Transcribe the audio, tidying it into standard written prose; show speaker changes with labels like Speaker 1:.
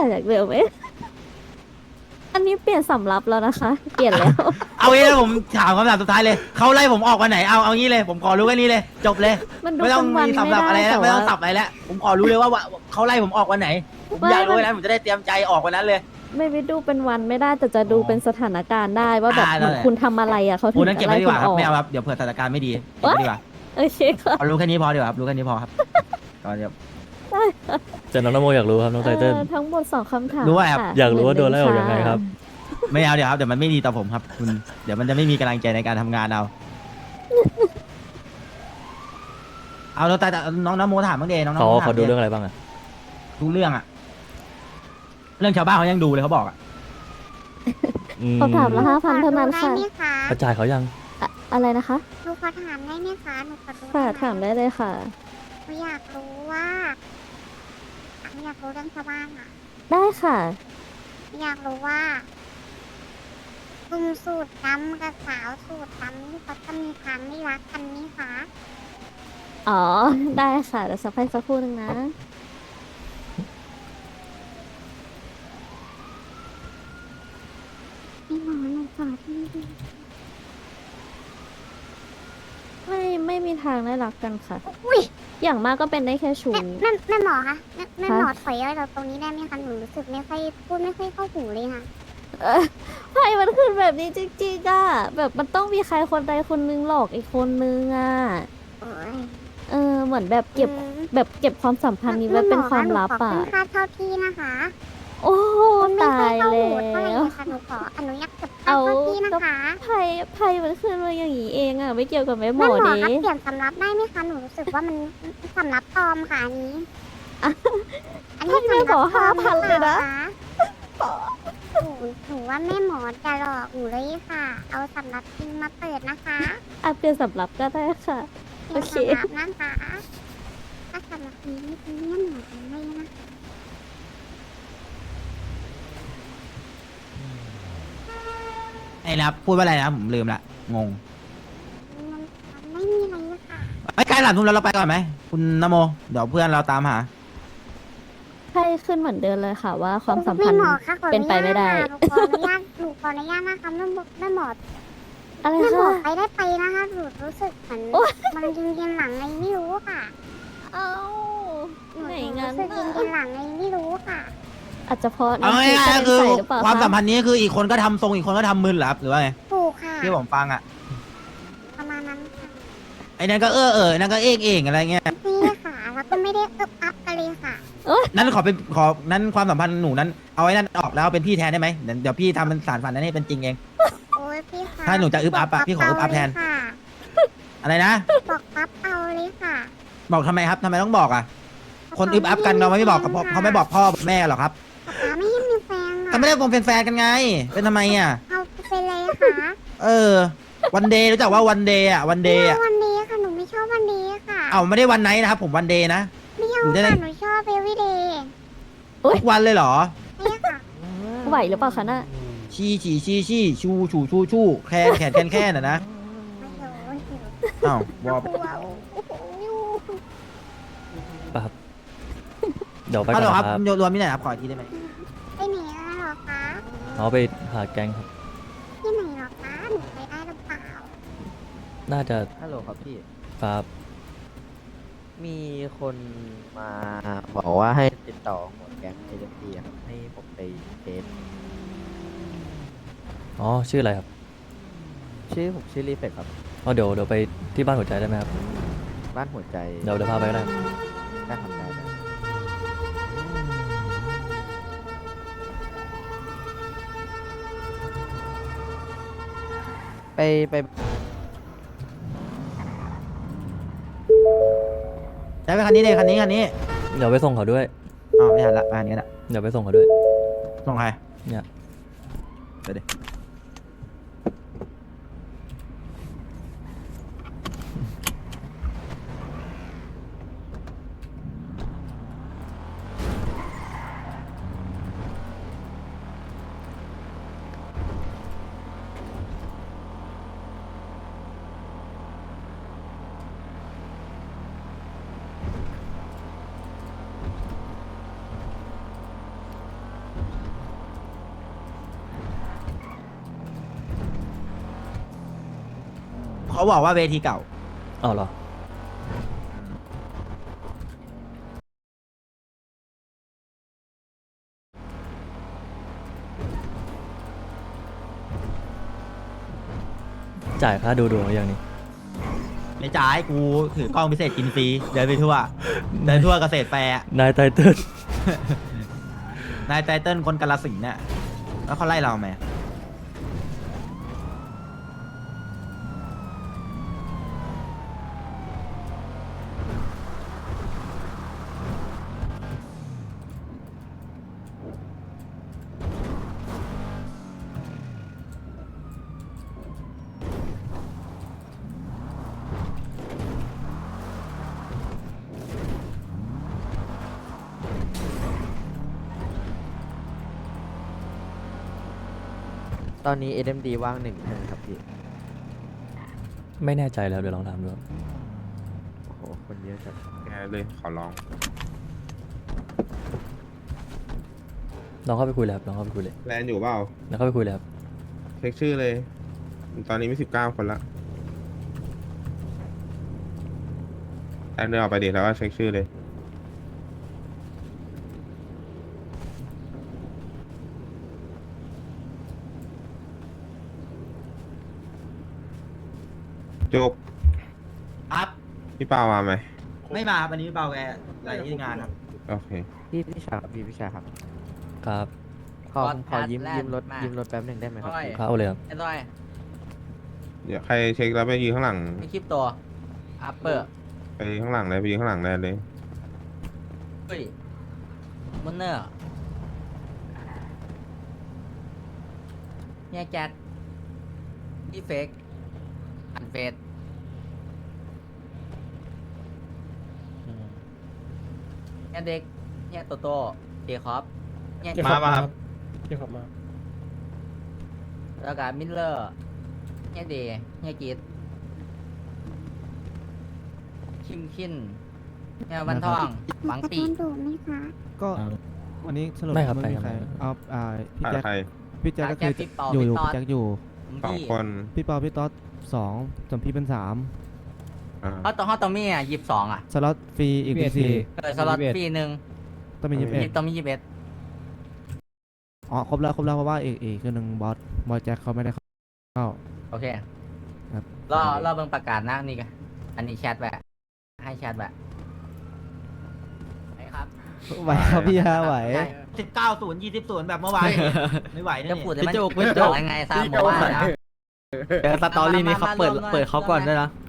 Speaker 1: จากเดิมไหมอันนี้เปลี่ยนสำรับแล้วนะคะ เปลี่ยนแล้ว
Speaker 2: เอางี้เลยผมถามคำถามสุดท้ายเลยเขาไล่ผมออกวันไหนเอางี้เลยผมขอรู้แค่นี้เลยจบเลย
Speaker 1: มันดู
Speaker 2: ไม่ต้อง
Speaker 1: เป็นวัน
Speaker 2: มี
Speaker 1: ไม่
Speaker 2: สำหรับอะไร
Speaker 1: ได้
Speaker 2: แล้ว
Speaker 1: แต่
Speaker 2: ไม่ต้อง
Speaker 1: ว่า
Speaker 2: สับอะไรแล้วผมขอรู้เลยว่าเขาไล่ผมออกวันไหนผมอยากรู้แล้วผมจะได้เตรียมใจออกวันนั้นเลย
Speaker 1: ไม่ได้ดูเป็นวันไม่ได้แต่จะดูเป็นสถานการณ์ได้ว่าแบบเหมือนคุณทำอะไรอ่ะเขาถึ
Speaker 2: โอ้
Speaker 1: ง
Speaker 2: นั่นเก็
Speaker 1: จะ
Speaker 2: บไว้
Speaker 1: ไล่
Speaker 2: ดีก
Speaker 1: คุณ
Speaker 2: ว่าค
Speaker 1: อ
Speaker 2: รับ
Speaker 1: อก
Speaker 2: ไม่เอาครับเดี๋ยวเผื่อสถานการณ์ไม่ดีเก็บไว้ดีกว่า
Speaker 1: โอเคค่ะ
Speaker 2: เอารู้แค่นี้พอดีกว่าครับรู้แค่นี้พอครับก่อนเดี๋ยว
Speaker 3: แต่น้องนโมอยากรู้ครับน้องไตเติ้ล
Speaker 1: ทั้งหมด2 คำถาม
Speaker 2: รู้ว่าครับ
Speaker 1: ค่ะ
Speaker 3: อยากรู้ว่าโดนไล่ออกยังไงครับ
Speaker 2: ไม่เอาเดี๋ยวครับเดี๋ยวมันไม่ดีต่อผมครับคุณเดี๋ยวมันจะไม่มีกำลังใจในการทำงานเอาเราแต่น้องน้ำโมถามบ้างเดน้องน้ำ
Speaker 3: เขา
Speaker 2: โมถาม
Speaker 3: เขาดูเรื่องอะไรบ้างอะ
Speaker 2: ดูเรื่องอะเรื่องชาวบ้านเขายังดูเลยเขาบอกอะ
Speaker 3: อืม
Speaker 1: คำถามละ5,000เท่านั้นค่ะ
Speaker 4: หนูขอดูได้ไหมคะ
Speaker 3: กระจายเขายัง
Speaker 1: อะไรนะคะ
Speaker 4: หนูขอถามได้ไหมคะหนูขอดู
Speaker 1: ค่ะ
Speaker 4: ได้ไห
Speaker 1: ถามได้เลยค่ะ
Speaker 4: หนูอยากรู้ว่าหนูอยากรู้เรื่องชาวบ้านอ่ะ
Speaker 1: ได้ค่ะ
Speaker 4: หนูอยากรู้ว่าลุงสูตรดำกับสาวสูตรดำนี่เขาจะมีความไม่รักกันไหมคะ
Speaker 1: อ๋อ ได้ค่ะเดี๋ยวสักพักสักครู่หนึงนะ
Speaker 4: พี่หมอหนูขอที่ดี
Speaker 1: ไม่มีทางได้รักกันค่ะ
Speaker 4: อุ้ย
Speaker 1: อย่างมากก็เป็นได้แค่ชู้
Speaker 4: แม่หมอคะแม่หมอ
Speaker 1: คะ
Speaker 4: ถอยอะไรเราตรงนี้ได้ไหมคะหนูรู้สึกไม่ค่อยพูดไม่ค่อยเข้าหูเลยค่ะ
Speaker 1: ไพ่มันขึ้นแบบนี้จริงๆอ่ะแบบมันต้องมีใครคนใดคนนึงหลอกอีกคนนึงอ่ะ
Speaker 4: โอ้ย
Speaker 1: เหมือนแบบเก็บแบบเก็บความสัมพันธ์นี้ไว้เป็นความลับ
Speaker 4: หนูขอ
Speaker 1: อ่ะ
Speaker 4: ขึ้นค่าเช่าที่นะคะ
Speaker 1: โอ้โห
Speaker 4: ไม่
Speaker 1: ตา
Speaker 4: ค่อย
Speaker 1: ย
Speaker 4: เข้า
Speaker 1: แล้
Speaker 4: หูเท่าไหร่
Speaker 1: ว
Speaker 4: เลยค่ะหนูขออนุญาตเก็บค่าเช่าที่นะคะ
Speaker 1: ไพ่มันขึ้นมาอย่างนี้เองอ่ะไม่เกี่ยวกับแม่หม
Speaker 4: แม่
Speaker 1: อ
Speaker 4: หมอ
Speaker 1: เด้
Speaker 4: คะเปลี่ยนสำรับได้ไหมคะหนูรู้สึกว่ามันสำรับปลอมค่ะอันนี้ อันนี้
Speaker 1: แม่
Speaker 4: สำ
Speaker 1: หม
Speaker 4: รับ
Speaker 1: อ
Speaker 4: ปลอม
Speaker 1: 5,000เลยนะ
Speaker 4: หนูว่าแม่หมอจะหลอกหนูเลยค่ะ เอาสำรับจริงมาเปิดนะคะ
Speaker 1: อ่ะเปลี่ยนสำรับก็ได้ค่ะ
Speaker 4: เปลี่ยน
Speaker 1: โอเค
Speaker 4: สำรับนะคะถ้าสำรับนี้ไม่เป็นแม่หมอทำได้นะ
Speaker 2: ไอ้นะครับพูดว่าอะไรนะผมลืมละงง
Speaker 4: มันไม่มีอะไรเลยค่ะ
Speaker 2: ไอ้ใกล้หลับทุ่มแล้วเราไปก่อนไหมคุณนโมเดี๋ยวเพื่อนเราตามหา
Speaker 1: ไพ่ขึ้นเหมือนเดิมเลยค่ะว่าความสัม
Speaker 4: แม่
Speaker 1: พันธ์
Speaker 4: หมอคะขออ
Speaker 1: เป็น
Speaker 4: ญาต
Speaker 1: ไปไม่ได้
Speaker 4: ค่ะหนูขออนุญาตนะคะแม่หมอ
Speaker 1: อะไร
Speaker 4: แม่หมอ
Speaker 1: คะ
Speaker 4: ไปได้ไปนะคะหนูรู้สึกเหมือน
Speaker 1: โอ๊ย
Speaker 4: มันยิงหลังไงไม่รู้ค่ะ
Speaker 1: เอ้า
Speaker 4: หนู
Speaker 1: ไหน
Speaker 4: รู้
Speaker 1: งั้น
Speaker 4: สึกยิ
Speaker 1: น่ะ
Speaker 4: งหลังไงไม่รู้ค่ะ
Speaker 1: อาจจะเพราะ
Speaker 2: เอา
Speaker 1: น้ำ
Speaker 2: ง่าย
Speaker 1: พริกกระ
Speaker 2: ๆ
Speaker 1: เด็น
Speaker 2: คือ
Speaker 1: ใส่หรือเปล่า
Speaker 2: ความสัม
Speaker 1: คะ
Speaker 2: พันธ์นี้คืออีกคนก็ทำทรงอีกคนก็ทำมึนเหรอครับหรือว่าไง
Speaker 4: ถูกค่ะ
Speaker 2: ที่ผมฟังอ่ะ
Speaker 4: ประมาณนั้นค่ะ
Speaker 2: ไอ้นั่นก็นั่นก็เองอะไรเงี้ย
Speaker 4: นี่ค่ะแล้วก็ไม่ได้อึบอับกันเลยค่ะ
Speaker 2: นั้นนั้นความสัมพันธ์หนูนั้นเอาไอ้นั่นออกแล้วเอาเป็นพี่แทนได้ไหมเดี๋ยวพี่ทำเป็นสารฝันนั้นให้เป็นจริงเอง
Speaker 4: โอ้ยพี่ค่ะ
Speaker 2: ถ้าหนูจะอึบอับอะพี่ขออึบอับแทน
Speaker 4: ค่ะ
Speaker 2: อะไรนะ
Speaker 4: บอกปั๊บเอาเลยค่ะ
Speaker 2: บอกทำไมครับทำไมต้องบอกอ่ะคนอึบอับกันเราไม่บอกกับพ่อเขาไม่บอกพ่อบอกแม่หรอกครับ
Speaker 4: ป๊าไม่ให้มีแฟน
Speaker 2: ก็
Speaker 4: ค่ะ
Speaker 2: ไม่ได้เป็นแฟนกันไง เป็นทำไมอ่ะ
Speaker 4: เอาไปเลยค่ะ
Speaker 2: วันเดย์รู้จักว่าวันเดย์อ่ะวันเดย์
Speaker 4: ไม่
Speaker 2: อ่ะ
Speaker 4: เอาวันนี้ค่ะหนูไม่ชอบวันนี้ค่ะ
Speaker 2: เอาไม่ได้วันไหนนะครับผมวันเดย์นะ
Speaker 4: ไม่เอา
Speaker 2: อยู่ได้
Speaker 4: ค่ะ
Speaker 2: เลย
Speaker 4: หนูชอบเบวีเดย์
Speaker 2: ทุกวันเลยเหรอ
Speaker 4: นี่ค่ะ
Speaker 1: ไหวหรือเปล่าคะน่ะ
Speaker 2: ชี้ชูแค่น่ะนะ
Speaker 4: ไม่รู้ไม่รู้
Speaker 2: อ้าววอ
Speaker 4: กลัวโอ้โห
Speaker 3: ป่ะครับ เดี๋ยวไป
Speaker 2: ฮั
Speaker 3: ก่
Speaker 2: ล
Speaker 3: อน
Speaker 2: โหลครับ
Speaker 3: นะครับ
Speaker 2: รวมที่ไหนครับขออีกทีได้ไหม
Speaker 4: ไปไหนแล้วเหรอคะ
Speaker 3: เอาไปหาแกงครับ
Speaker 4: ที่ไหนเหรอคะหนูไปได้หรือเปล่า
Speaker 3: น่าจะ
Speaker 5: ฮัลโหลครับพี่
Speaker 3: ครับ
Speaker 5: มีคนมาบอกว่าให้ติดต่อหมวดแก๊งเอเจนซี่ครับให้ผมไปเทส
Speaker 3: อ๋อ ชื่ออะไรครับ
Speaker 5: ผมชื่อรีเฟกครับ
Speaker 3: อ๋อเดี๋ยวไปที่บ้านหัวใจได้ไหมครับ
Speaker 5: บ้านหัวใจ
Speaker 3: เดี๋ยวพาไปก็ได้ครับ
Speaker 5: ได้ทำได้นะไป
Speaker 2: ใช้ไปคันนี้เลยคันนี้
Speaker 3: เดี๋ยวไปส่งเขาด้วย
Speaker 2: อ๋อไม่ทันละอันนี้ละ
Speaker 3: เดี๋ยวไปส่งเขาด้วย
Speaker 2: ส่งใคร
Speaker 3: เนี่ย
Speaker 2: ไปดิบอกว่าเวทีเก่า
Speaker 3: อ๋อเหรอจ่ายค่าดูดวงหรือยังนี่
Speaker 2: ไม่จ่ายกูถือกล้องพิเศษกินฟรีเดินไปทั่วเดินทั่วเกษตรแฟร์อะ
Speaker 3: นายไตเติ้ล
Speaker 2: นายไตเติ้ลคนกาลสินธุ์เนี่ยแล้วเขาไล่เราไหม
Speaker 5: ตอนนี้ SMD ว่าง1ใช่ไหมครับพี่
Speaker 3: ไม่แน่ใจแล้วเดี๋ยวลองถามดูครับ
Speaker 5: โอ้โห คนเยอะจัด
Speaker 6: แกเลยขอร้อง
Speaker 3: ลองเข้าไปคุยเลยครับลองเข้าไปคุยเลย
Speaker 6: แลนอยู่เปล่า
Speaker 3: แล้วเข้าไปคุยเลยครับ
Speaker 6: เช็คชื่อเลย ตอนนี้มี19 คนละแอนเดินออกไปดิแล้วก็เช็คชื่อเลย จุก
Speaker 2: ครับ
Speaker 6: พี่เปามาไหม
Speaker 2: ไม่มาครับวันนี้พี่เบาแกอะไรที่งานครับ
Speaker 6: โอเค
Speaker 5: พี่ชายครับพี่ชายครับ
Speaker 3: ครับ
Speaker 5: ขอยืมรถแป๊บหนึ่งได้ไหมครับพี่
Speaker 3: ครับเอาเลยครับ
Speaker 7: ไอ้ต้อย
Speaker 6: เดี๋ยวใครเช็คแล้วไปยืนข้างหลัง
Speaker 7: ไอ้คลิปตัวอัปเปอร์
Speaker 6: ไปข้างหลังเลยไปยืนข้างหลังแลนเลย
Speaker 7: เฮ้ยมุนเนอร์เนี่ยแจ็คพี่เฟกอันเฟสเนี่ยเด็กเนี่ยโตโต้เจคอบเนี่ย
Speaker 2: มาป่ะครับ
Speaker 7: แล้วก็มิลเลอร์เนี่ยเดย์เนี่ยกีดคินเนี่ยวันทองหวังปี
Speaker 4: จะโดนไหมคะ
Speaker 8: ก็วันนี้สรุป
Speaker 3: ไม่ครับ
Speaker 8: ไม่มี
Speaker 3: ไป
Speaker 8: ใคร
Speaker 3: ครับ
Speaker 8: เอาพี่
Speaker 6: ขาด
Speaker 8: แจ็ค
Speaker 6: ใคร
Speaker 8: พี่แจ็คก็คือ
Speaker 7: พี่เปา
Speaker 8: อยู่
Speaker 7: พี่ต๊อด
Speaker 8: พี่แจ็คอยู่
Speaker 6: 2 คน
Speaker 8: พี่เปาพี่ต๊อดสองส่วนพี่เป็นสาม
Speaker 6: อ่า
Speaker 7: เขาต้องมีอ่ะ22อ่ะ
Speaker 8: สล็อตฟรีอีกเป็นสี่
Speaker 7: สล็อตฟรีหนึ่ง
Speaker 8: ต้องมี21
Speaker 7: ต้องมี21
Speaker 8: อ๋อครบแล้วเพราะว่าอีกคือหนึ่งบอสแจ็คเขาไม่ได้เข้า
Speaker 7: โอเค
Speaker 8: ครับ
Speaker 7: รอเบิ่งประกาศนะนี่กันอันนี้แชทแวะให้แชทแวะไหนครับ
Speaker 8: ไหวครับพี่ฮะไหว
Speaker 7: ใช่
Speaker 2: 19-0 20-0แบบเมื่อวาน ไม่ไหวนะ
Speaker 7: จะ
Speaker 2: นี่
Speaker 7: พูดให้มันจะบอกยังไงซะหมอว่านะ
Speaker 5: แต่สตอรี่นี้เขาเปิดเขาก่อนด้วยนะ